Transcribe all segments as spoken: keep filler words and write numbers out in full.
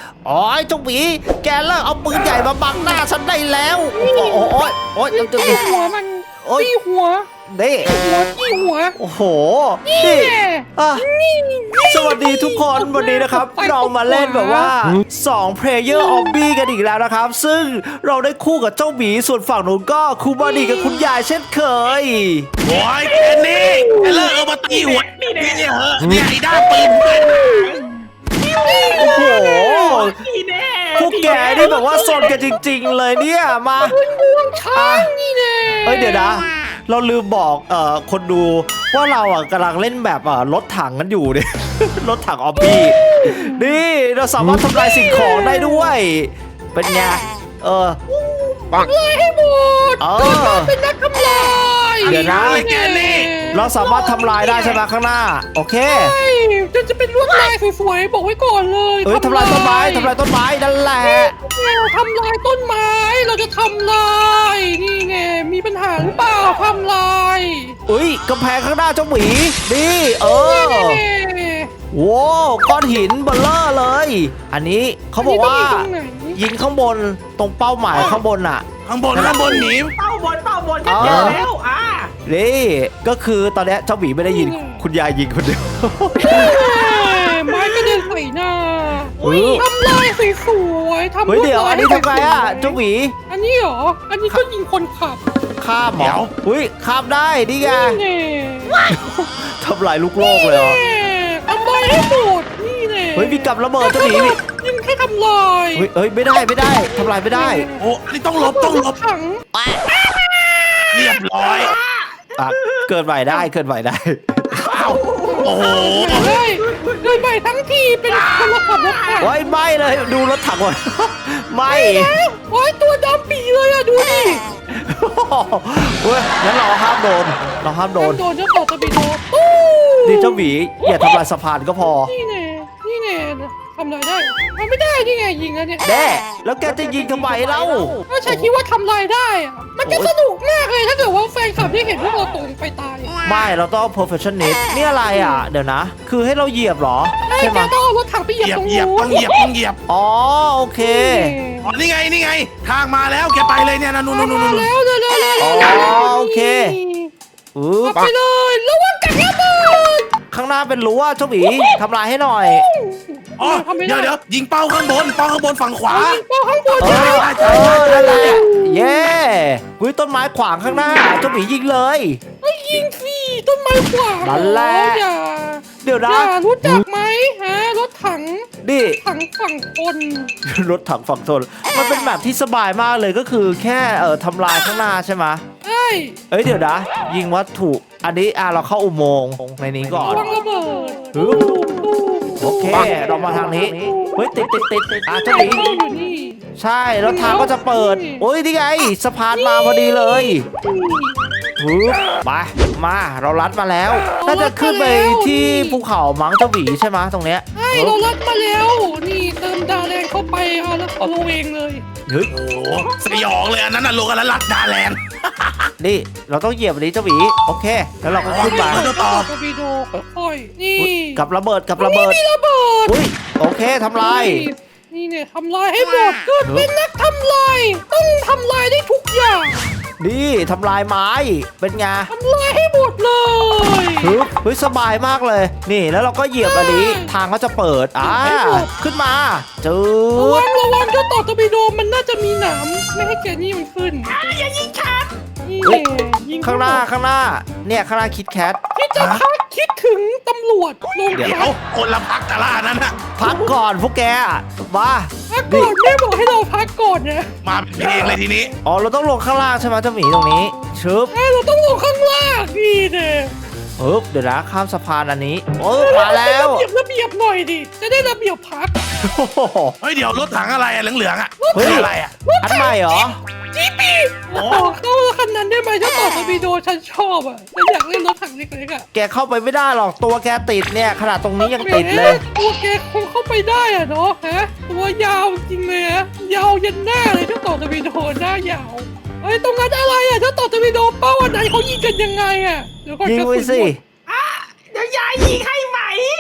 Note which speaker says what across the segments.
Speaker 1: โอ้ยเจ้าหมีแกเลิกเอาปืนใหญ่มาบังหน้าฉันได้แล้วโอ้โหโอ้ยโอ้ย
Speaker 2: ตี
Speaker 1: เจ้าหมี
Speaker 2: หัวมันตีหัว
Speaker 1: นี่
Speaker 2: หัวตีหัว
Speaker 1: โอ้โห
Speaker 2: นี่
Speaker 1: นี่
Speaker 2: แน่
Speaker 1: อ่ะ
Speaker 2: นี่
Speaker 1: สวัสดีทุกคนวันนี้นะครับเรามาเล่นแบบว่าสอง Player of B กันอีกแล้วนะครับซึ่งเราได้คู่กับเจ้าหมีส่วนฝั่งนู้นก็คูบาดีกับคุณยายเช่นเคย
Speaker 3: โอ้ยแค่นี้เลิกเอามาตีหัวนี่เนี่ยเหอะเนี่ยไอ้ด้ามปืนปืน
Speaker 1: โอ้โห
Speaker 2: นี่แน่
Speaker 1: พวกแกนี่แบบว่าสนกันจริงๆเลยเนี่ยมา
Speaker 2: ง่วงช้างนี่แน่
Speaker 1: เอ้ยเดี๋ยวนะเราลืมบอกเอ่อคนดูว่าเราอ่ะกำลังเล่นแบบอ่ะรถถังกันอยู่เนี่ย รถถังออบบี้นี่เราสามารถทำลายสิ่งของได้ด้วยเป็นไงเออ
Speaker 2: เลยให้หมด
Speaker 1: เออ
Speaker 2: เกิดมาเป็นนักทำลาย
Speaker 1: เดี๋ยวนะ
Speaker 3: แค่นี้
Speaker 1: เราสามารถทำลายได้ใช่ไหมข้างหน้าโอเค
Speaker 2: ใช่จะจะเป็นลวดลายสวยๆบอกไว้ก่อนเลย
Speaker 1: เอ้ยทำลายต้นไม้ทำลายต้นไม้นั่นแหละ
Speaker 2: เราทำลายต้นไม้เราจะทำลายนี่ไงมีปัญหาหรือเปล่าทำลาย
Speaker 1: อุ้ยกำแพงข้างหน้าเจ้าหมีนี่เออ
Speaker 2: นี่
Speaker 1: โว้ก้อนหินเบลเลอร์เลย อันนี้เขาบอกว่า
Speaker 2: อันนี้ต้องมีตรงไหน
Speaker 1: ยิงข้างบนตรงเป้าหมายข้างบนอ่ะ
Speaker 3: ข้างบนข้างบนหนี
Speaker 4: เป้าบนเป้าบน
Speaker 1: เอ
Speaker 4: ก็
Speaker 1: อ
Speaker 4: เจอแล้วอ่า
Speaker 1: นี่ก็คือตอนเนี้ยเจ้าหมีไม่ได้ยินคุณยายยิงคนเดียว
Speaker 2: ไม้กระเด็นใส่หน้า
Speaker 1: เฮ้ย
Speaker 2: ทำลายสวยๆทำ
Speaker 1: เฮ้ยเดี๋ยวอันนี้ทำไงอ่ะเจ้าหมี
Speaker 2: อันนี้เหรออันนี้ก็ยิงคนขับ
Speaker 1: ข้ามเหรออุ้ยข้ามได้นี่ไง
Speaker 2: นี่แน่
Speaker 1: ทำลายลูกโลกเลยเหรอ
Speaker 2: ทำลายให้หมดนี่แน่
Speaker 1: เฮ้ยมีกับระเบิดเจ้าหมีมี
Speaker 2: ยิงให้ทำลาย
Speaker 1: เฮ้ยเฮ้ยไม่ได้ไม่ได้ทำลายไม่ได้
Speaker 3: โอ้อันนี้ต้องหลบต้องหลบ
Speaker 2: ถัง
Speaker 3: เรียบร้อย
Speaker 1: อ่ะเกิดใหม่ได้เกิดใหม่ได้
Speaker 3: โอ้โห
Speaker 2: ได้โดยใหม่ทั้งทีเป็นคนละขับรถถัง
Speaker 1: โอ้ยไม่เลยดูรถถังก่อน ไม่
Speaker 2: โอ้ยตัวดำปีเลยอะดูดิ
Speaker 1: เฮ้ยงั้นเราห้ามโดนเราห้ามโดน
Speaker 2: โดนเจ้าต่อตะบีโดตู้
Speaker 1: นี่เจ้าหมีอย่าทำลายสะพานก็พอ
Speaker 2: นี่แน่นี่แน่ทำอะไรได้ทำไม่ได้นี่ไงยิงแล้วเนี่ย
Speaker 1: แด่แล้วแกจะยิงทำไมเล่า
Speaker 2: ถ้าฉันคิดว่าทำลายได้อะมันจะสนุกมากเลยถ้าเกิดว่าแฟนคลับที่เห็นพวกเราตกไปตาย
Speaker 1: ไม่เราต้อง perfectionist นี่อะไรอ่ะ เดี๋ยวนะ คือให้เราเหยียบเหรอ
Speaker 2: ไอ้
Speaker 1: ใช่ไห
Speaker 2: แก
Speaker 1: ม
Speaker 2: ต้องเอารถถังไปเห
Speaker 3: เห
Speaker 2: ยียบ
Speaker 3: ยียบ
Speaker 2: ตรง
Speaker 3: เหยียบ
Speaker 2: นู้
Speaker 3: ต้อน งเหยียบต้องเหยียบ
Speaker 1: อ๋อโอเค
Speaker 3: อ๋อนี่ไงนี่ไง ทางมาแล้วแกไปเลยเนี่ยนะนู่นนู่นนู่น
Speaker 2: มา
Speaker 3: นู่น
Speaker 2: แล้วเร็วเร็วเร็ว
Speaker 1: อ๋อ
Speaker 2: เร็วเร็ว
Speaker 1: โอเค อุ๊บ
Speaker 2: ไปเลยระวังกับระเบิด
Speaker 1: ข้างหน้าเป็นรั้วเจ้าหมีทำลายให้หน่อย
Speaker 3: อ๋อเดี๋ยวเดี๋ยวยิงเป้าข้างบนเป้าข้างบนฝั่งขวา
Speaker 2: เป้าข้างบน
Speaker 1: เอ
Speaker 2: ใช่ไหม
Speaker 1: อเออนั่นแหละเย้อุ้ยต้นไม้ขวางข้างหน้าเจ้าหมียิงเลย
Speaker 2: ไอ้ยิงฟรีต้นไม้ขวาง
Speaker 1: นั่นแหละ
Speaker 2: อย่า
Speaker 1: เดี๋ยว
Speaker 2: อ
Speaker 1: นะ
Speaker 2: ย่ารู้จักไหมฮะรถถัง
Speaker 1: นี่
Speaker 2: ถังฝั่งคน
Speaker 1: รถถังฝั่งทนมันเป็นแบบที่สบายมากเลยก็คือแค่เอ่อทำลายข้างหน้าใช่ไหม
Speaker 2: ใช่
Speaker 1: เอ้ยเดี๋ยวนะ ยิงวัตถุอันนี้อ่ะเราเข้าอุโมงค์ในนี้ก่อน
Speaker 2: ระวังระเบิด
Speaker 1: ฮึบ โอเค เรามาทางนี้เฮ้ยติดติดติดติดอ่ะเจ้าหมี
Speaker 2: อยู่นี่
Speaker 1: ใช่แล้วทางก็จะเปิดโอ้ยนี่ไงสะพานมาพอดีเลยฮึบมามาเราลัดมาแล้วน่าจะขึ้นไปที่ภูเขามั้งเจ้าหมีใช่ไหมตรงเนี้ย
Speaker 2: ใช่เราลัดมาแล้วนี่เติมดาแรงเข้าไปเอาแล้วเอาลงเองเลย
Speaker 1: เฮ้ย
Speaker 3: โอ้โหสยองเลยอันนั้นน่ะโลกันละลัดดาแลนด์
Speaker 1: นี่เราต้องเหยียบอันนี้เจ้าหมีโอเค แล้วเราก็ขึ้นมา
Speaker 3: เดี๋ยวต่อ
Speaker 2: กระบีโดค่อยๆนี่
Speaker 1: อุ๊ยกับระเบิดกับระเบิด
Speaker 2: มีระเบิด
Speaker 1: อุ้ยโอเคทำลาย
Speaker 2: นี่เนี่ยทำลายให้หมดเกิดเป็นนักทำลายต้องทำลายได้ทุกอย่าง
Speaker 1: นี่ทำลายไม้เป็นไง
Speaker 2: ทำลายให้หมดเลย
Speaker 1: ฮึบเฮ้ยสบายมากเลย นี่แล้วเราก็เหยียบอันนี้ทางก็จะเปิดอ่าขึ้นมาจื
Speaker 2: ระวั
Speaker 1: ด
Speaker 2: งระวังเจ้าต่อตะบีโดมันน่าจะมีหนามไม่ให้แกนี่มันขึ้น
Speaker 4: อย่ายิงฉัน
Speaker 2: นี่แหละยิง
Speaker 1: ข้างหน้าข้างหน้าเนี่ยข้างหน้าคิดแคท
Speaker 2: ที่จะพักคิดถึงตำรวจลง
Speaker 3: เดี๋ยว
Speaker 2: พัก
Speaker 3: คนละพักแต่ละอันนั้นน่ะ
Speaker 1: พักก่อนพวกแกมา
Speaker 2: พักก่อนแม่บอกให้เราพักก่อนนะ
Speaker 3: มาเป็นเพลงเลยทีนี้
Speaker 1: อ๋อเราต้องลงข้างล่างใช่ไหมเจ้าหมีตรงนี้ชึบ
Speaker 2: ไอ้เราต้องลงข้างล่างนี่เนี่ย
Speaker 1: ปึ๊บเดี๋ยวนะข้ามสะพานอันนี้โอ้มาแล้ว
Speaker 2: ระเบียบระเบียบหน่อยดิจะได้ระเบียบพัก
Speaker 1: โอ้โห
Speaker 3: เฮ้ยเดี๋ยวรถถังอะไรอะเหลืองๆอะ
Speaker 1: เฮ้ย
Speaker 3: อะไรอะ
Speaker 1: อันใหม่เหรอ
Speaker 2: จีปีโอ้เข้าคันนั้นได้ไหมเจ้าต่อตะบีโดฉันชอบอ่ะฉันอยากเล่นรถถังเล็กๆอ่ะ
Speaker 1: แกเข้าไปไม่ได้หรอกตัวแกติดเนี่ยขนาดตรงนี้ยังติดเลย
Speaker 2: ตัวแกคงเข้าไปได้อ่ะเนาะฮะตัวยาวจริงเลยอะยาวยันหน้าเลยเจ้าต่อตะบีโดหน้ายาวเฮ้ยตรงนั้นอะไรอ่ะเจ้าต่อตะบีโดเป้าอันไหนเขายิงกันยังไงอ่ะเดี๋ยวก่อน
Speaker 1: ยิง
Speaker 2: กระ
Speaker 1: ไว้
Speaker 2: สุน
Speaker 1: สิ
Speaker 2: หมด
Speaker 4: เดี๋ยวยายยิงให้ไหม
Speaker 2: ไม่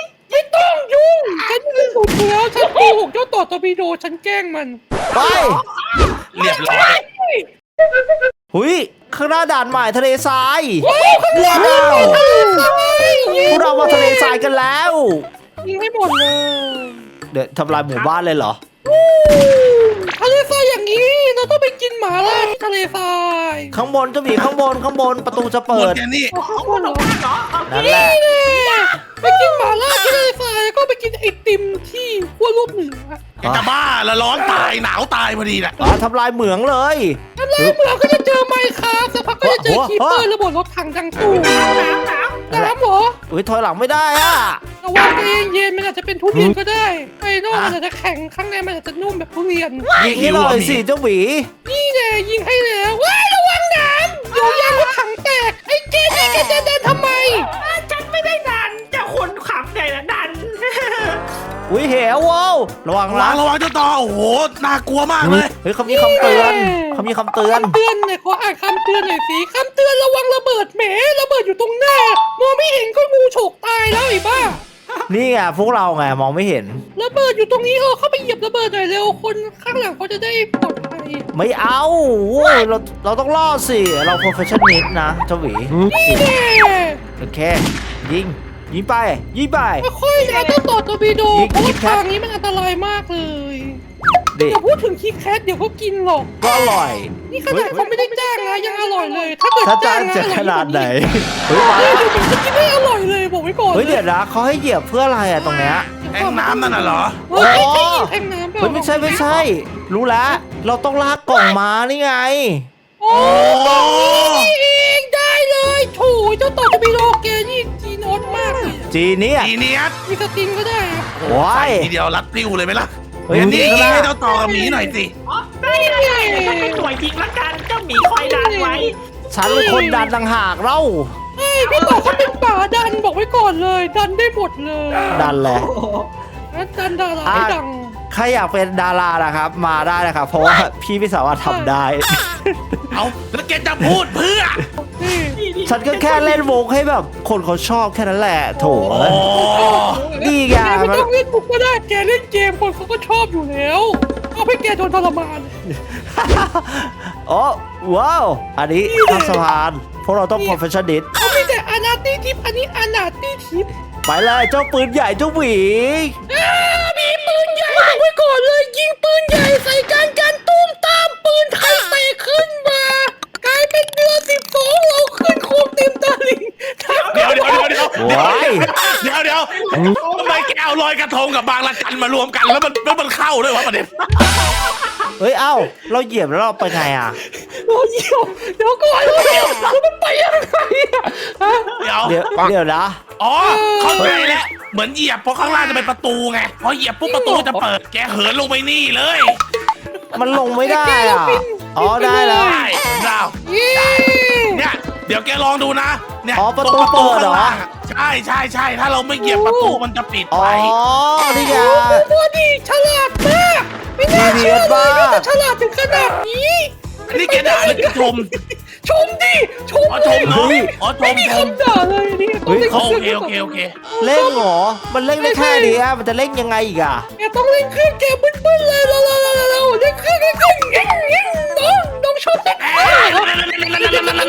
Speaker 2: ต้องยุ่งฉันไม่ถูกแล้วฉันโกหกเจ้าต่อตอร์ปิโดฉันแกล้งมัน
Speaker 1: ไป
Speaker 3: เรียบร้อย
Speaker 1: หุยข้างหน้าด่านใหม่ทะเลทราย
Speaker 2: ว้าว
Speaker 1: พวกเรามาทะเลทรายกันแล้ว
Speaker 2: ยิงให้หมดเลย
Speaker 1: เดี๋ยวทำลายหมู่บ้านเลยเหรอ
Speaker 2: ทะเลทรายอย่างนี้เราต้องไปกินหมาล่าที่ทะเลทราย
Speaker 1: ข้างบนเจะมีข้างบนข้างบนประตูจะ
Speaker 3: หม
Speaker 1: เปิ
Speaker 3: ด
Speaker 1: ด
Speaker 3: แค่นี้
Speaker 2: โอ้โหเหรอ
Speaker 4: เหรอโอเค
Speaker 1: นั่นแหละ
Speaker 2: นี่แน่ไปกินหมาล่าที่ทะเลทรายแล้วก็ไปกินไอติมที่ขั้วโลกเหนือ
Speaker 3: ไอ้จะบ้าละร้อนตายหนาวตายพอดีแหละ
Speaker 1: อ่ะทำลายเหมืองเลย
Speaker 2: ทำลายเหมืองก็จะเจอไมค์ครับสักพักก็จะเจอคีเปอร์ระเบิดรถถังดังตู้
Speaker 4: น้ำน้ำน้ำ
Speaker 2: น้ำเหรอ
Speaker 1: อุ้ยถอยหลังไม่ได้อ่ะ
Speaker 2: ระวังใจเย็นๆมันอาจจะเป็นทุเรียนก็ได้ไอ้นอกมันอาจจะแข็งข้างในมันอาจจะนุ่มแบบทุเรียน
Speaker 1: ยิงให้หน่อยสิเจ้าหวี
Speaker 2: นี่แน่ยิงให้แล้วว้ายระวังน้ำเดี๋ยวยางรถถังแตกไอ้เจนี่แกจะเดินทำไม
Speaker 4: ฉันไม่ได้ดันจะคนขับใหญ่ละดัน
Speaker 1: อุ้ยเหวว้าวระวัง
Speaker 3: ระวั
Speaker 1: นะ
Speaker 3: งระวังเจ้าต่อโอ้โหน่ากลัวมากเลย
Speaker 1: เฮ้ยเขามีคำเตือนเขามีคำเตือน
Speaker 2: คำเตือนเนี่ยขออ่านคำเตือนหน่อยสิคำเตือนระวังระเบิดแหมระเบิดอยู่ตรงหน้ามองไม่เห็นก็งูฉกตายแล้วไอ้บ้า
Speaker 1: นี่ไงพวกเราไงมองไม่เห็น
Speaker 2: ระเบิดอยู่ตรงนี้เออเข้าไปเหยียบระเบิดหน่อยเร็วคนข้างหลังเขาจะได้ปลอดภัย
Speaker 1: ไม่เอาโว้ยเราเราต้องล่อสิ เรา professional นะเจ้าหวี
Speaker 2: นี่แน่
Speaker 1: โอเค ยิง ยิงไป ยิงไป
Speaker 2: ค่อยๆนะเจ้าต่อตอร์ปิโด
Speaker 1: ยิง
Speaker 2: เพราะ
Speaker 1: ยิ
Speaker 2: ว่าง
Speaker 1: ครับ
Speaker 2: ทางนี้มันอันตรายมากเลย
Speaker 1: เด็ก
Speaker 2: อย่าพูดถึงคิกแคทเดี๋ยวเขากินหรอก
Speaker 1: ก็อร่อย
Speaker 2: นี่ขนาดเขาไม่ได้จ้างนะยังอร่อยเลย ถ้าเกิด
Speaker 1: ถ้า
Speaker 2: จ้า
Speaker 1: จ้าง ง
Speaker 2: นะ
Speaker 1: จะ
Speaker 2: อร่อย
Speaker 1: ขนาดไหน เฮ้ย
Speaker 2: เอ
Speaker 1: มา
Speaker 2: อเดี๋ยวมันจะกินได้อร่อยเลยบอกไว้ก่อน
Speaker 1: เฮ้ยเดี๋ยวนะเขาให้เหยียบเพื่ออะไรอะตรงเนี้ย
Speaker 3: แองน้ำนั่นน่ะเหรอ
Speaker 2: เฮ้ยใช่แทงน้ำเปล่า
Speaker 1: เฮ้ยไม่ใช่ไม่ใช่ รู้แล้ว เราต้องลากกล่องมานี่ไง
Speaker 2: โอ้นี่เองได้เลยโถเจ้าต่อตอร์ปิโดแกนี่จีนอสมากเลย
Speaker 1: จีเนี่ย
Speaker 3: ทีเนี้ย
Speaker 2: มีสติงก็ได้อะ
Speaker 1: ว้าย
Speaker 3: ทีเดียวรัดติ้วเลยไหมล่ะ
Speaker 1: เฮ้ย
Speaker 3: อันนี้
Speaker 1: นี่
Speaker 3: ให้เจ้าต่อกับหมีหน่อยสิ
Speaker 4: อ๋อได้เลยฉันเป็นหน่วยจริงละกันเจ้าหมีคอยดันไว้
Speaker 1: ฉันเป็นคนดันต่างหากเล่า
Speaker 2: ใช่พี่ต่อเขาเป็นป่าดันบอกไว้ก่อนเลย ดันได้หมดเลย
Speaker 1: ดันแหละ
Speaker 4: โอ้โห
Speaker 2: แล้วดันดาราให้ดัง
Speaker 1: ใครอยากเป็นดารานะครับ มาได้นะครับ เพราะว่าพี่ไม่สามารถทำได้
Speaker 3: เอาแล้วแกจะพูดเพื่อ
Speaker 2: นี่
Speaker 4: นี่
Speaker 1: ฉันก็แค่เล่นวงให้แบบคนเขาชอบแค่นั้นแหละ โถ
Speaker 3: โอ้
Speaker 1: นี่ไง
Speaker 2: แกไม่ต้องเล่นบุกก็ได้แกเล่นเกมคนเขาก็ชอบอยู่แล้วเอาให้แกโดนทรมาน
Speaker 1: โอ้ว้าว อันนี้ข้ามสะพานพวกเราต้อง professional
Speaker 2: เขามีแต่อนาตี้ทิปอันนี้อนาตี้ทิป
Speaker 1: ไปเลยเจ้าปืนใหญ่เจ้าหวี
Speaker 2: อ่ามีปืนใหญ่บอกไว้ก่อนเลยยิงปืนใหญ่ใส่กันกันตุ้มตามปืนไทยเตะขึ้นมากลายเป็นเดือนสิบสองเราขึ้นโคมเต็มตาลิง
Speaker 3: เดี๋ยวเดี๋ยวเดี๋ยวเดี๋ยว
Speaker 1: ว้าย
Speaker 3: เดี๋ยวเดี๋ยวทำไมแกเอาลอยกระทงกับบางละจันมารวมกันแล้วมันแล้วมันเข้าด้วยวะประเด็น
Speaker 1: เฮ้ย เอ้า เราเหยียบแล้วเราไปไงอ่ะ
Speaker 2: เราเยี่ยวเดี๋ยวก่อนเราเยี่ยวแล้วมันไปยังไงอะฮะ
Speaker 3: เดี๋ยว
Speaker 1: เดี๋ยวเดี๋ยวนะ
Speaker 3: อ๋อเข้าใจแล้วเหมือนเหยียบเพราะข้างล่างจะเป็นประตูไงพอเหยียบปุ๊บประตูจะเปิดแกเหินลงไปนี่เลย
Speaker 1: มันลงไม่ได้อ่ะ อ๋อได้แล้ว
Speaker 3: ได้เรา
Speaker 2: เย้
Speaker 3: เนี่ยเดี๋ยวแกลองดูนะเนี่ย
Speaker 1: อ๋อประตูเปิดเหรอ
Speaker 3: ข้างล่างะใช่ใช่ใช่ถ้าเราไม่เหยียบประตูมันจะปิด
Speaker 1: อ๋อ
Speaker 3: ไป
Speaker 1: นี่ไง
Speaker 2: โอ้ดีฉลาดมากไม่น่าเชื่อเลยว่าจะฉลาดถึงขนาดนี้
Speaker 3: อันนี้แกด่าหรือแกชม
Speaker 2: ชมดิชม
Speaker 3: อ๋อชมเนาะอ๋อช
Speaker 2: ไม่
Speaker 3: ม
Speaker 2: มี
Speaker 3: ชม
Speaker 2: คำด่าเลยนี่
Speaker 1: เฮ้ย
Speaker 3: โอเคโอเคโอเค
Speaker 1: เล่งเหรอ มันเล่งได้แค่นี้อะมันจะเล่งยังไงอีกอ่ะ
Speaker 2: แกต้องเล่นเครื่องแกบึ้นๆเลยเราเราเราเราเล่นเครื่องเล่นเครื่องยิ่งยิ่งน้องน้องชอบเล่นเครื่อง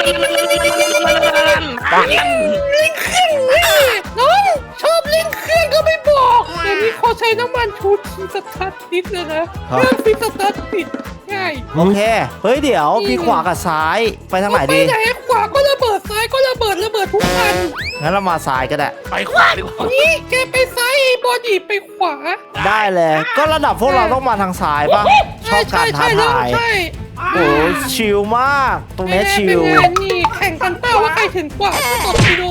Speaker 2: น้องชอบเล่นเครื่องก็ไม่บอกเดี๋ยวนี้เขาใช้น้ำมันชูทีสตาร์ทติดเลยนะเครื่องฟิตสตาร์ทติดง่าย
Speaker 1: โอเค เฮ้ย เดี๋ยวพี่ขวากับซ้าย ไปทางไหน
Speaker 2: ไป
Speaker 1: ดี
Speaker 2: ไหนขวาก็ระเบิดซ้ายก็ระเบิดระเบิดทุกคัน
Speaker 1: งั้นเรามาซ้ายก็ได้
Speaker 3: ไปขวาดีกว่า
Speaker 2: นี่แกไปซ้ายบอดี้ไปขวา
Speaker 1: ได้เลย ก็ระดับพวกเราต้องมาทางซ้ายป่ะ ชอบการท้าทาย
Speaker 2: ใช่
Speaker 1: โอ้ชิลมาก ตรงเนี้ยชิล
Speaker 2: เป็นไงนี่แข่งกันเป้าว่าใครถึงกว่าตบไปดู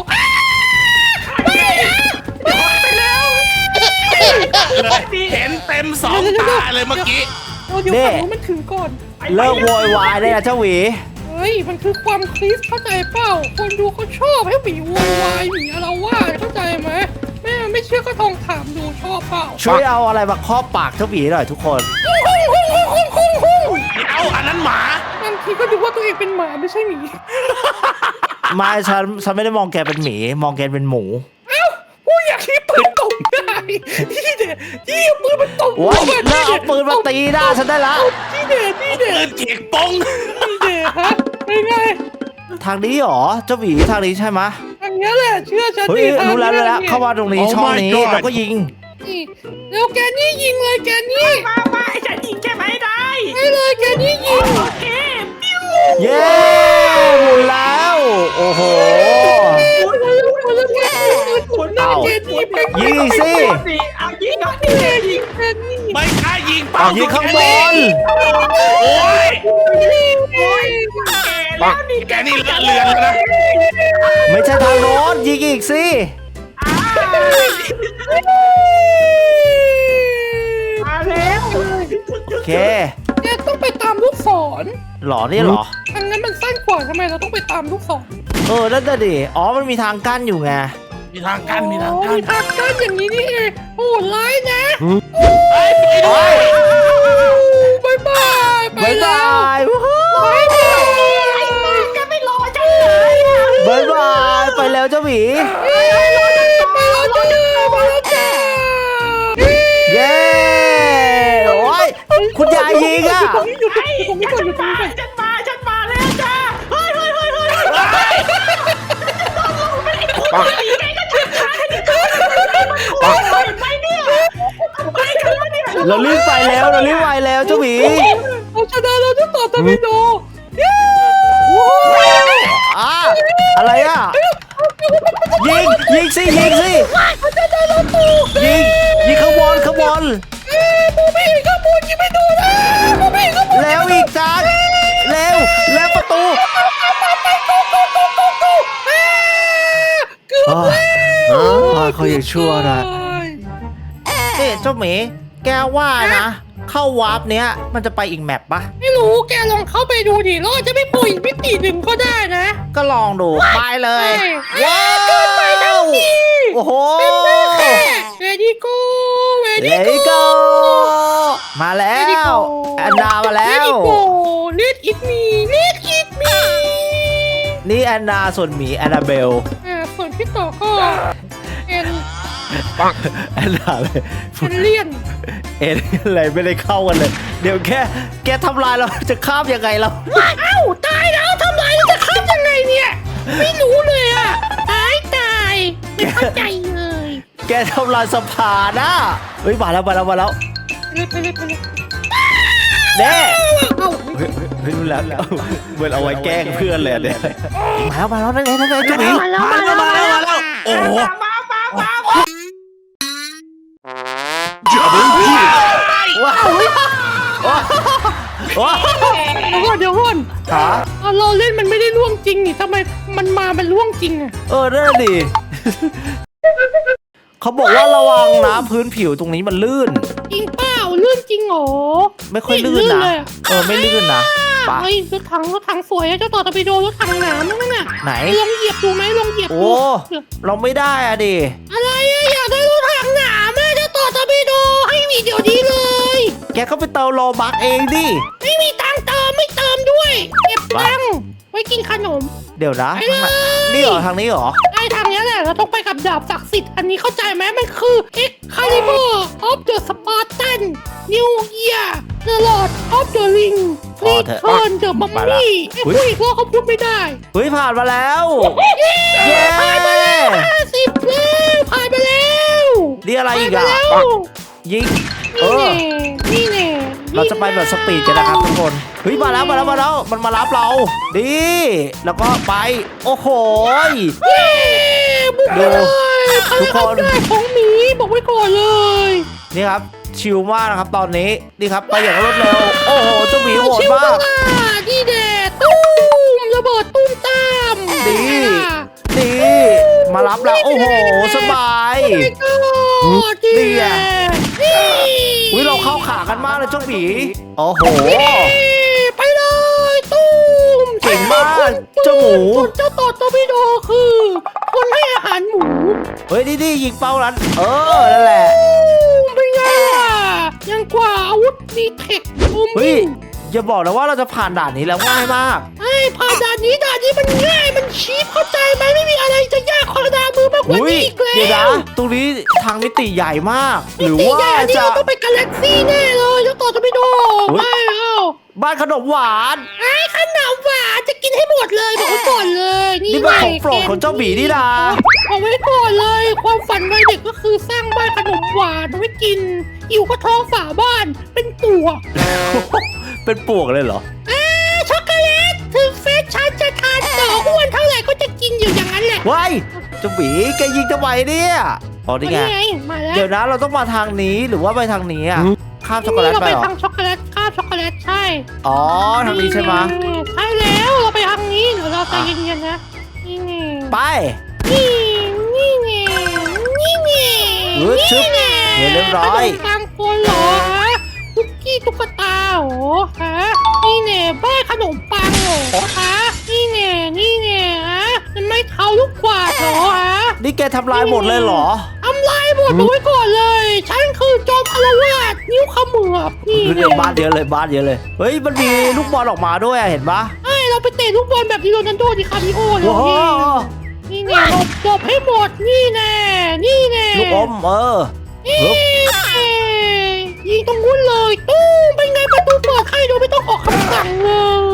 Speaker 3: เห็นเต็มสองตาเลยเมื่อกี้
Speaker 2: เดี๋ยวฝั่งนู้นมันถึงก่อน
Speaker 1: เลิกโวยวายได้นะเจ้าหวี
Speaker 2: เฮ้ยมันคือความคลิสเข้าใจเปล่าคนดูเขาชอบให้หมีโวยวายหมีอะไรว่าเข้าใจไหมแม่ไม่เชื่อก็ลองถามดูชอบเปล่า
Speaker 1: ช่วยเอาอะไรมาครอบปากเจ้าหวีหน่อยทุกคน
Speaker 3: เอาอันนั้นหมา
Speaker 2: บางทีก็ดูว่าตัวเองเป็นหมาไม่ใช่หมี
Speaker 1: ไม่ฉันฉันไม่ได้มองแกเป็นหมี มองแกเป็นหมู
Speaker 2: เอ้าผู้อยากที่ปืนตบที่เด็ดที่เอาปืนมันตบ
Speaker 1: โอ้ยเลิกเอาปืนมาตีหน้าฉันได้ละ
Speaker 2: ที่เด็ดที่เด็
Speaker 3: ปื
Speaker 2: ด
Speaker 3: นเขียงป้อง
Speaker 2: ที่เด็ดฮะเป็นไง
Speaker 1: ทางนี้หรอเจ้าหมีทางนี้ใช่ไหม
Speaker 2: อันนี้แหละเชื่อฉัน
Speaker 1: เฮ้ย
Speaker 2: ทาง
Speaker 1: รู้แล้วรู้แล้ว
Speaker 2: นี่ย
Speaker 1: เข้ามาตรงนี้ช่องนี้แล้วก็ยิง
Speaker 2: นี่แล้วแกนี่ยิงเลยแกนี่
Speaker 4: มามาไอ้ฉันยิงใช่ไหมได้
Speaker 2: ให้เลยแกนี่ยิง
Speaker 4: โอเคปิ้ว
Speaker 1: เย้หมุนแล้วโอ้โห
Speaker 2: โอ้ยแล้วแล้วแกนี่หมุนหน้าแกนี่เป็น
Speaker 1: ยิงสิ
Speaker 4: สิเอายิงก่อน
Speaker 2: แกยิงแกนี่
Speaker 3: ไม่กล้ายิงเป้า
Speaker 1: เอายิงข้างบน
Speaker 3: โอ้ย
Speaker 2: โอ้ย
Speaker 4: แล้วนี่
Speaker 3: แกนี่เลอะเลือนแล้วนะ
Speaker 1: ไม่ใช่ทางโน้นยิงอีกสิ
Speaker 4: มาแล้ว
Speaker 1: โอเค
Speaker 2: แกต้องไปตามลูกศร
Speaker 1: หรอนี่หรอ
Speaker 2: ทางนั้นมันสั้นกว่าทำไมเราต้องไปตามลูกศร
Speaker 1: เออนั่นน่ะดิอ๋อมันมีทางกั้นอยู่ไง
Speaker 3: มีทางกั้นมีทาง
Speaker 2: โอ้
Speaker 3: กั้น
Speaker 2: มีทางกั้นอย่างนี้นี่เองโอ้ร้ายนะ
Speaker 3: ไปไปด้วย
Speaker 2: บายบายไป
Speaker 1: บาย
Speaker 2: แล้
Speaker 1: บา
Speaker 2: วย
Speaker 1: วู้ฮู้
Speaker 2: บายบาย
Speaker 4: แกไม่รอฉันเลย
Speaker 1: บายบายไปแล้วเจ้าหมี
Speaker 2: ไปแล้วจ้าไปแล้วจ้า
Speaker 1: เย้โอ้ยคุณยายยิงอ่ะ
Speaker 2: ตรงนี้อยู่ตรงนี้ตรงนี้ก่อนอยู่ตรงนี้ก่อน
Speaker 4: ฉันมาฉันมาแล้วจ้าเฮ้ยเฮ้ยเฮ้ยเฮ้ยไปเนี่ยไปกันแล้วเนี่ย
Speaker 1: เรารีบไปแล้วเรารีบไปแล้วเจ้าหมี
Speaker 2: เราชนะเราจะต่อตะวิโด
Speaker 1: อ่ะอะไรอ่ะยิงยิงสิยิงสิยิงยิงข้างบนข้างบน
Speaker 2: บูบี้ข้างบนยิงไม่โดนนะบูบี้ข้างบน
Speaker 1: แล้วอีกจังเร็วแล้วประตู
Speaker 2: เกือบ
Speaker 1: อ๋อ
Speaker 2: แล้ว
Speaker 1: อ๋อเขายังชั่วนะเอ๊ะเจ้าหมีแกว่านะ เข้าวาร์ปเนี้ยมันจะไปอีกแมปปะ
Speaker 2: ไม่รู้แกลองเข้าไปดูดิแล้วอาจจะไม่ป่วยอีกมิติหนึ่งก็ได้นะ
Speaker 1: ก็ลองดูไปเลย
Speaker 2: ว้าวเกินไปทั้งที
Speaker 1: โอ้โห
Speaker 2: เวดี้โก้เว
Speaker 1: เล
Speaker 2: ดี้
Speaker 1: ย
Speaker 2: โก้
Speaker 1: ก็มาแล้วแอนนามาแล้ว
Speaker 2: เวดี้โก้เลดอิทมีเลดอิทมี
Speaker 1: นี่แอนนาส่วนหมีแอนนาเบล
Speaker 2: อ่าส่วนพี่ต่อก็เป็น
Speaker 1: แอนนาเลย
Speaker 2: เป็นเลี่ยน
Speaker 1: เอ็นอะไรไม่ได้เข้ากันเลย เดี๋ยวแค่แกทำลายเราจะข้ามยังไงเรา
Speaker 2: เอ้าตายแล้วทำไรจะข้ามยังไงเนี่ย ไม่รู้เลยอ่ะตายตายไม่เข้าใจเลย
Speaker 1: แกทำลายสะพานนะเฮ้ยมาแล้วมาแล้วมาแล้ว
Speaker 2: ไปเลยไปเลยไปเลย
Speaker 1: เน่
Speaker 2: เอ้า
Speaker 1: เฮ้ยเฮ้ยเฮ้ยรู้แล้วแล้วเหมือนเอาไว้แกล้งเพื่อนเลยเนี่ยมาแล้วมาแล้วนั่นไงนั่นไงเจ้าหมี
Speaker 3: มาแล้วมาแล้วมาแล้วโอ้โห
Speaker 4: มามามามา
Speaker 1: ว้าวว้าวว้าว
Speaker 2: เดี๋ยวก่อนเดี๋ยวก่อน
Speaker 1: ขา
Speaker 2: เอาเราเล่นมันไม่ได้ล่วงจริงนี่ทำไมมันมามันล่วงจริงอะ
Speaker 1: เออนั่นนะดิเขาบอกว่าระวังนะพื้นผิวตรงนี้มันลื่น
Speaker 2: จริงเปล่าลื่นจริงเหรอ
Speaker 1: ไม่ค่อยลื่นนะ
Speaker 2: เลยอะ
Speaker 1: เออไม่ลื่นนะปะ
Speaker 2: เฮ้ยรถถังรถถังสวยอะเจ้าต่อตะไปโดรถถังหนามนั่นน่ะ
Speaker 1: ไหน
Speaker 2: ลองเหยียบดูไหมลองเหยียบ
Speaker 1: โอ้
Speaker 2: ดู
Speaker 1: เราไม่ได้อะดิ
Speaker 2: อะไรอะอยากได้รถถังหนามอะเจ้าต่อตะไปโดให้มีเดี๋ยวนี้เลย
Speaker 1: แกก็ไปเติมโลบักเองดิ
Speaker 2: ไม่มีตังค์เติมไม่เติมด้วยเก็บตังค์ไว้กินขนม
Speaker 1: เดี๋ยวนะ
Speaker 2: ไปเลย
Speaker 1: นี่เหรอทางนี้เหรอ
Speaker 2: ไอ้ทางเนี้ยแหละเราต้องไปกับดาบศักดิ์สิทธิ์อันนี้เข้าใจไหมมันคือ Excalibur of the Spartan New Year The Lord of the Ring
Speaker 1: พอเถอะ
Speaker 2: Return the
Speaker 1: ไปละ
Speaker 2: Mummy ไอ้พูดอีกรอบเขาพูดไม่ได้
Speaker 1: เฮ้ยผ่านมาแล้ว
Speaker 2: เย้
Speaker 1: เย้
Speaker 2: ผ่านมาแล้วห้าสิบแล้วผ่านไปแล้ว
Speaker 1: นี่อะไรอีก
Speaker 2: ผ่าน
Speaker 1: อ่ะ
Speaker 2: ไปแล้ว
Speaker 1: ยิงเอ
Speaker 2: นี่
Speaker 1: อ
Speaker 2: แน่นี่แน่
Speaker 1: เราจะไปแบบสปีดกันนะครับทุกคน เฮ้ยมาแล้วมาแล้วมาแล้วมันมารับเรา ดี แล้วก็ไป โอ้โหย
Speaker 2: เย้บุกไปเลย
Speaker 1: ทุกคน
Speaker 2: พลังอำนาจของหมีบอกไว้ก่อนเลย
Speaker 1: นี่ครับชิลมากนะครับตอนนี้ นี่ครับไปอย่างรวดเร็ว โอ้โหเจ้าหมีโหด
Speaker 2: ชิว
Speaker 1: มาก
Speaker 2: มากดีเดดตุ้มระเบิดตุ้มตาม
Speaker 1: ดี ดี มารับเราโอ้โห สบาย
Speaker 2: ไม่ก็ดี
Speaker 1: นี่
Speaker 2: แด
Speaker 1: ไง
Speaker 2: ดนี่
Speaker 1: อุ้ยเราเข้าขากันมากเลยเจ้าหมี โอ้โห
Speaker 2: ไปเลยตุ้ม
Speaker 1: เก่งมากเจ้าหมู
Speaker 2: ส่วนเจ้าต่อตอร์ปิโดคือ คนให้อาหารหมู
Speaker 1: เฮ้ยดีดียิงเป้านั้น เออ นั่นแหละ
Speaker 2: ตุ้มเป็นไงล่ะยังกว่าอาวุธดีเทคตุ้ม
Speaker 1: เฮ้ย อย่าบอกนะว่าเราจะผ่านด่านนี้แล้วง่ายมาก
Speaker 2: ไอ้ผ่านด่านนี้ด่านนี้มันง่ายมันชีพเข้าใจไหมไม่มีอะไรจะยากขอดามือมากกว่า
Speaker 1: อุ้ย
Speaker 2: นี้อีกแล้ว
Speaker 1: เดี๋ยวนะตรงนี้ทางมิติใหญ่มาก หรือ
Speaker 2: นี่
Speaker 1: ว่า
Speaker 2: แย่นี่
Speaker 1: จะ
Speaker 2: เราต้องไปกาแล็กซี่แน่เลยเจ้าต่อจะไปดูไม่เอา
Speaker 1: บ้านขนมหวาน
Speaker 2: ไอ้ขนมหวานจะกินให้หมดเลยบอกไว้ก่อนเลยนี่
Speaker 1: นี่มันของโปรดของเจ้าหมีนี่นะ
Speaker 2: บอกไว้ก่อนเลย ความฝันวัยเด็กก็คือสร้างบ้านขนมหวานเอาไว้กินอยู่ก็ท้องฝาบ้านเป็นตัว
Speaker 1: เป็นปวกเลยเหรอ
Speaker 2: อ่าช็อกโกแลตถึงเฟซฉันจะทานต่ออ้วนเท่าไหร่ก็จะกินอยู่อย่างนั้นแหละ
Speaker 1: ว้ายเจ้าหมีแกยิงทำไมเนี่ยอ๋อนี่ไง
Speaker 2: มาแล้ว
Speaker 1: เดี๋ยวนะเราต้องมาทางนี้หรือว่าไปทางนี้อ่ะข้ามช็อกโกแลต
Speaker 2: เรา
Speaker 1: ไป
Speaker 2: ไป
Speaker 1: เหรอ
Speaker 2: ทางช็อกโกแลตข้าวช็อกโกแลตใช่
Speaker 1: อ๋อทางนี้ใช่ไหม
Speaker 2: ใช่แล้วเราไปทางนี้เดี๋ยวเราใจเย็นๆนะนี่ไง
Speaker 1: ไป
Speaker 2: นี่นี่ไงนี่ไง
Speaker 1: เออชึบ
Speaker 2: ไง
Speaker 1: เรียบร้อย
Speaker 2: ขนมปังคนเหรอฮะคุกกี้ตุ๊กตาเหรอฮะนี่ไงบ้าขนมปังเหรอฮะนี่ไงนี่ไงฮะมันไม่เท้าลูกกวาดเหรอฮะ
Speaker 1: นี่แกทำลายหมดเลยเหรอ
Speaker 2: ทำลายหมดเอาไว้ก่อนเลย ฉันคือจอมอารวาสนิ้วขมือบนี่
Speaker 1: เดี๋ยวบ้านเยอะเลยบ้านเยอะเลยเฮ้ยมันมีลูกบอลออกมาด้วยอะเห็นปะ
Speaker 2: ไอ้เราไปเตะลูกบอลแบบดิโรนัลโดดิคาริโอเลย
Speaker 1: โอ้โห
Speaker 2: นี่ไงหลบหลบให้หมดนี่แน่นี่แน่
Speaker 1: ลูกอมเออ
Speaker 2: นี่แน่ยิงตรงนู้นเลยตู้มเป็นไงประตูเปิดให้โดยไม่ต้องออกคำสั่งเลย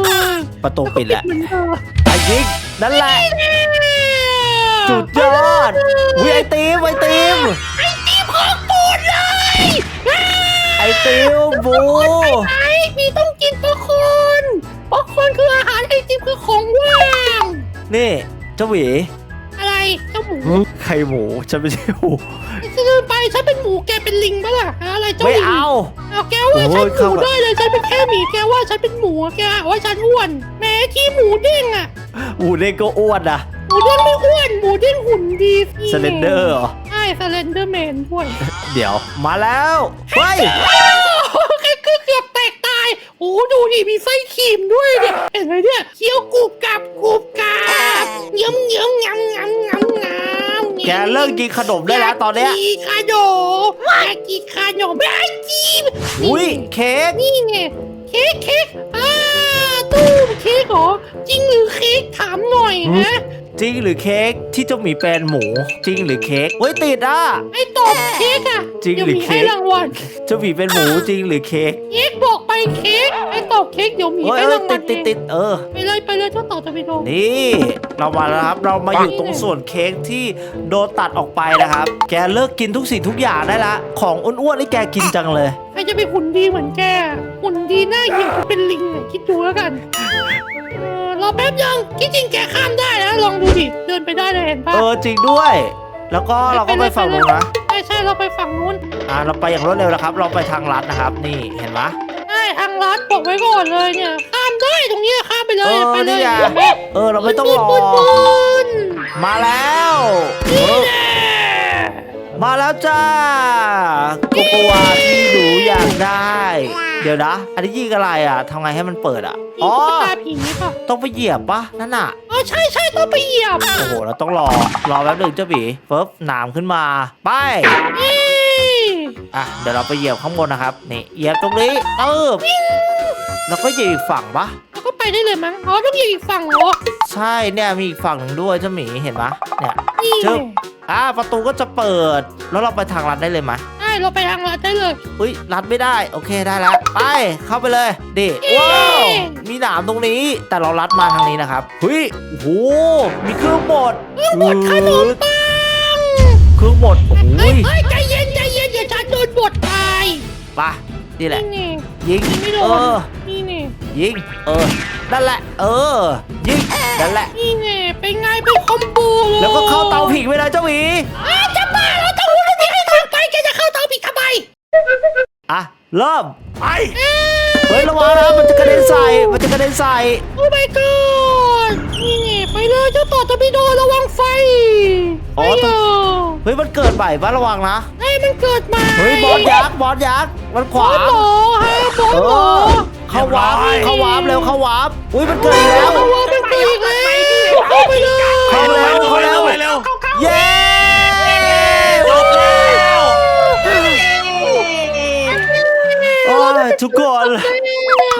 Speaker 1: ประตูปิดแล้ว
Speaker 2: เหมือนเดิม
Speaker 1: ไอ้ยิงนั่นแหละสุดยอดวิไอติมไอติม
Speaker 2: ไอ้ตีของปูดเลย
Speaker 1: ไอติมบู
Speaker 2: ไอ้มีต้องกินป๊อปคอร์นป๊อปคอร์นคืออาหารไอติมคือของว่าง
Speaker 1: นี่เจ้าหวี
Speaker 2: อะไรเจ้าหมู
Speaker 1: ไข่หมูฉันไม่ใช่หมู
Speaker 2: จะเดินไปฉันเป็นหมูแกเป็นลิงปะล่ะอะไรเจ้า
Speaker 1: ไม่
Speaker 2: ลิง
Speaker 1: เอา
Speaker 2: เอาแกว่า
Speaker 1: โอ้
Speaker 2: ฉั
Speaker 1: ย
Speaker 2: นห
Speaker 1: เข้า
Speaker 2: มู
Speaker 1: มา
Speaker 2: ได้เลยฉันเป็นแค่หมีแกว่าฉันเป็นหมูแกหาว่าฉันอ้วนแม้ที่หมูเด้งอะ
Speaker 1: หมูเด็กก็อ้วนนะ
Speaker 2: หมูเด้งไม่อ้วนหมูเด้งหุ่นดี
Speaker 1: สเลนเดอร์เหรอ
Speaker 2: ใช่สเลนเดอร์แมนด้วย
Speaker 1: เดี๋ยวมาแล้วเฮ้ย
Speaker 2: โอ้แกเกือบแตกตายโอ้ดูดิมีไส้ครีมด้วยเนี่ยเห็นไหมเนี่ยเคี้ยวกรุบกรับกรุบกรับเยิ้มเยิ้มงำงำงำงำ
Speaker 1: แกเลิกกินขนมได้แล้วตอนเนี้ย
Speaker 2: อยากกินขนมอยากกินขนมไม่ให้กิน
Speaker 1: อุ้ยเค้ก
Speaker 2: นี่ไงเค้กเค้กอ่าตู้มเค้กเหรอจริงหรือเค้กถามหน่อยนะ
Speaker 1: จริงหรือเค้กที่เจ้าหมีเป็นหมู จริงหรือเค้กเฮ้ยติดอ่ะ
Speaker 2: ไอ้ตอบเค้กอะ
Speaker 1: จริงหรือ
Speaker 2: ดี๋ยวมี
Speaker 1: เค้ก
Speaker 2: ให้รางวัล
Speaker 1: เจ้าหมีเป็นหมูจริงหรือเค้ก
Speaker 2: เค้กบอกไปเค้กไอ้ตอบเค้กเดี๋ยวมี
Speaker 1: เฮ้ย
Speaker 2: ให้
Speaker 1: เอ้ย
Speaker 2: รางวั
Speaker 1: ติ
Speaker 2: ล
Speaker 1: ดติดติดเออ
Speaker 2: ไปเลยไปเลยเจ้าต่อจะไปดู
Speaker 1: นี่เรามาแล้วครับเรามาอยู่ตรงส่วนเค้กที่โดนตัดออกไปนะครับ แกเลิกกินทุกสิ่งทุกอย่างได้ละของอ้วนๆนี่แกกินจังเลย
Speaker 2: ใครจะไปหุ่นดีเหมือนแกหุ่นดีหน้าเหี่ยวเป็นลิงอะคิดดูแล้วกันเออรอแป๊บยังที่จริงแกข้ามได้นะลองดูดิเดินไปได้เลยเห็นปะ
Speaker 1: เออจริงด้วย แล้วก็เราก็ไปฝั่งนู้นนะ
Speaker 2: ใช่ใช่เราไปฝั่งนู้น
Speaker 1: อ่าเราไปอย่างรวดเร็วแล้วครับ เราไปทางลัดนะครับ นี่เห็นไหม
Speaker 2: ใช่ทางลัดบอกไว้ก่อนเลยเนี่ยข้ามได้ตรงเนี้ยข้ามไปเล
Speaker 1: เอย อ
Speaker 2: ไปเล
Speaker 1: นี่
Speaker 2: ย
Speaker 1: ไง
Speaker 2: เห็นไหม
Speaker 1: เออเราไม่ต้องรอ
Speaker 2: ปืนปืน
Speaker 1: มาแล้วเอ
Speaker 2: นี่
Speaker 1: อ
Speaker 2: แน่
Speaker 1: มาแล้วจ้าโกโกวาที่หนูอยากได้ เดี๋ยวนะ อันนี้ยิงอะไรอ่ะทำไงให้มันเปิดอ่ะ
Speaker 2: มี
Speaker 1: อ๋อ
Speaker 2: ตุ๊กตาผีป่ะ
Speaker 1: ต้องไปเหยียบปะนั่นน่ะ
Speaker 2: อ๋อใช่ใช่ต้องไปเหยียบ
Speaker 1: โอ้โห เราต้องรอ รอแป๊บหนึ่งเจ้าบีเฟิบหนามขึ้นมา ไป
Speaker 2: เอ้ย
Speaker 1: อ่ะ เดี๋ยวเราไปเหยียบข้างบนนะครับ นี่ เหยียบตรงนี้เติบแล้วก็เหยียบอีกฝั่งปะ
Speaker 2: แล้วก็ไปได้เลยมั้งอ๋อต้องเหยียบอีกฝั่งเหรอ
Speaker 1: ใช่ เนี่ยมีอีกฝั่งหนึ่งด้วยเจ้าหมี เห็นปะเนี่ย
Speaker 2: นี่
Speaker 1: จึ๊บ อ่ะ ประตูก็จะเปิด แล้วเราไปทางลัดได้เลยไหม
Speaker 2: ใช่เราไปทางลัดได้เลย
Speaker 1: อุ้ยลัดไม่ได้ โอเคได้แล้ว ไป เข้าไปเลย ดิ
Speaker 2: เย้
Speaker 1: ว้าว มีหนามตรงนี้ แต่เราลัดมาทางนี้นะครับเฮ้ยโอ้โห มีเครื่องบด
Speaker 2: เครื่องบดขนมปัง
Speaker 1: เครื่องบดโอ้โห
Speaker 2: เฮ้ยเฮ้ยใจเย็นใจเย็นอย่าฉันโดนบดตาย
Speaker 1: ไปนี่แหละ
Speaker 2: นี่ไง
Speaker 1: ยิง
Speaker 2: ไม่โด
Speaker 1: เอน อ
Speaker 2: นี่ไง
Speaker 1: ยิง เออ นั่นแหละ เออ ยิง นั่นแหละ
Speaker 2: นี่ไงเป็นไงเป็นคอมโบเลย
Speaker 1: แล้วก็เข้าเตาผิงไปเลยเจ้าหวี
Speaker 2: อ้าวจะบ้าแล้วเต้าหู้นี่ให้ทางไปแกจะเข้าเตาผิดทำไม
Speaker 1: อ่ะ เริ่ม
Speaker 3: ไป
Speaker 1: เฮ้ย ระวังนะ มันจะกระเด็นใส่ มันจะกระเด็นใส่
Speaker 2: โอ้ my god นี่ไงไปเลยเจ้าต่อจะไปโดนระวังไฟ
Speaker 1: อ๋อ
Speaker 2: ไอ้
Speaker 1: ต้
Speaker 2: เอ
Speaker 1: อง
Speaker 2: อ
Speaker 1: เฮ้ย มันเกิดใหม่ปะระวังนะ
Speaker 2: ให้มันเกิดมา
Speaker 1: เฮ้ย บอสยักษ์ บอสยักษ์ มันข
Speaker 2: บอ
Speaker 1: วา
Speaker 2: ส
Speaker 1: ง
Speaker 2: หมอฮะบอส
Speaker 1: เอ
Speaker 2: หมอ
Speaker 1: อ เข้าวาร์ปเข้าวาร์ปเร็ว เข้าวาร์ปอุ้ย มันเกิดอีกแล้ว
Speaker 2: ระวังเป็นปีกแล้วเข้าไปเลย
Speaker 1: เข้าเร็ว เข้าเร็ว
Speaker 3: ไปเร็ว
Speaker 1: เย้
Speaker 3: จบแล้ว
Speaker 1: โอ้ยทุกคน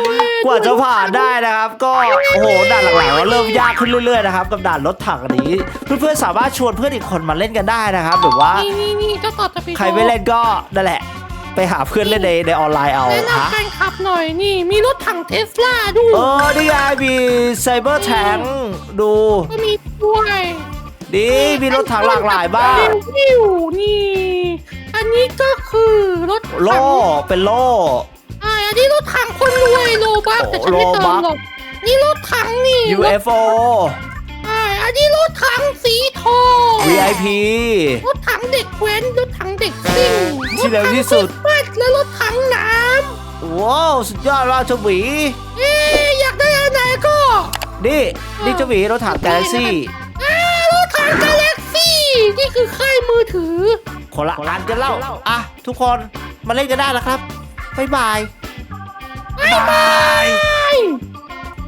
Speaker 1: กว่าจะผ่านได้นะครับ ก็โอ้โหด่านหลังๆก็เริ่มยากขึ้นเรื่อยๆนะครับกับด่านรถถังอันนี้ เพื่อนๆสามารถชวนเพื่อนอีกคนมาเล่นกันได้นะครับหรือว่า
Speaker 2: นี่นี่นี่เจ้าต่อจะไป
Speaker 1: ใครไม่เล่นก็นั่นแหละ ไปหาเพื่อนเล่นในในออนไลน์เอา
Speaker 2: แนะ
Speaker 1: ฮะ
Speaker 2: นำการขับหน่อยนี่มีรถถังเทสลาด้วย
Speaker 1: เออนี่ไงมีไซเบอร์แทงดู
Speaker 2: ก็มีด้วย
Speaker 1: ดีมีรถถังหลากหลายบ้าง
Speaker 2: วิวนี่ อันนี้ก็คือรถถัง
Speaker 1: โล่เป็นโล่
Speaker 2: อ่าอันนี้รถถังคนรวยโลบักแต่ฉันไม่เติมหรอกนี่รถถังนี่
Speaker 1: ยู เอฟ โอ
Speaker 2: อ่าอันนี้รถถังสีทอง
Speaker 1: วี ไอ พี
Speaker 2: รถถังเด็กแว้นรถถังเด็กซิ่ง
Speaker 1: ที่เร็วที่สุด
Speaker 2: รถถังรถบัสและรถถังน้
Speaker 1: ว้าวสุดยอดมากเจ้าหวี
Speaker 2: ำเอ๊ะอยากได้อันไหนก็
Speaker 1: นี่นี่เจ้าหวีรถถังกาแล็กซี่
Speaker 2: อ่ารถถังกาแล็กซี่นี่คือค่ายมือถือ
Speaker 1: คนละอันกันเล่าอ่ะทุกคนมาเล่นกันได้แล้วครับบ๊ายบาย
Speaker 2: บ๊ายบาย